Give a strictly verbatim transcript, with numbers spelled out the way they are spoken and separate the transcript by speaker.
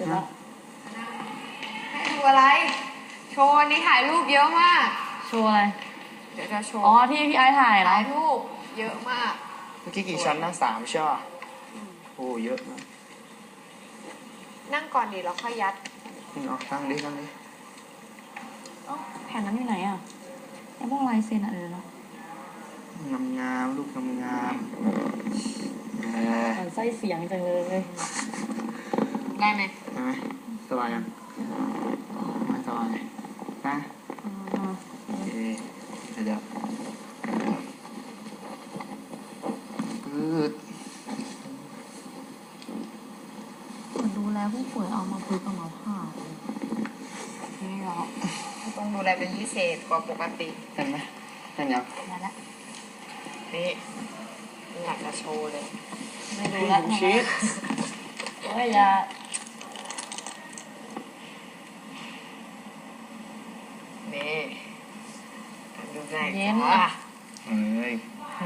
Speaker 1: นะ
Speaker 2: ให้ดูอะไรโชว์นี่ถ่ายรูปเยอะมาก
Speaker 1: โชว์อะไร
Speaker 2: เดี๋ยวจะโชว์
Speaker 1: อ๋อที่พี่ไอ้ถ่ายเหรอ
Speaker 2: ถ่ายรูปเยอะมาก
Speaker 3: เมื่อกี้กี่ชั้นนะสามใช่ป่ะโอ้เยอะนะ
Speaker 2: นั่งก่อนดิแล้วค่อยยัด
Speaker 3: เอาตั้งดิตั้งดิ
Speaker 1: แผ่นนั้นอยู่ไหนอ่ะไอ้พวกลายเซ็นอะไรเนาะ
Speaker 3: งามงามลูกงามงามเออ
Speaker 1: มันไส้เสียงจังเลย
Speaker 2: ได้ไหม
Speaker 3: ได้ไหมสบายยังไม่สบายนะโอเคเดี๋ยวปืด
Speaker 1: มันดูแลผู้ป่วยเอามาพึกเอามาผ่า
Speaker 2: ไม่หรอกต้องดูแลเป็นพิเศษกว่าปกติ
Speaker 3: เห็นไหมเห็นยัง
Speaker 1: นั่นแหละ
Speaker 2: นี่อยากจะโชว์เลย
Speaker 1: ไม่ดูแล้ว
Speaker 3: ชีส
Speaker 1: โอ้ยยา
Speaker 2: นี่ดูไง
Speaker 1: เย็น
Speaker 3: เฮ้ย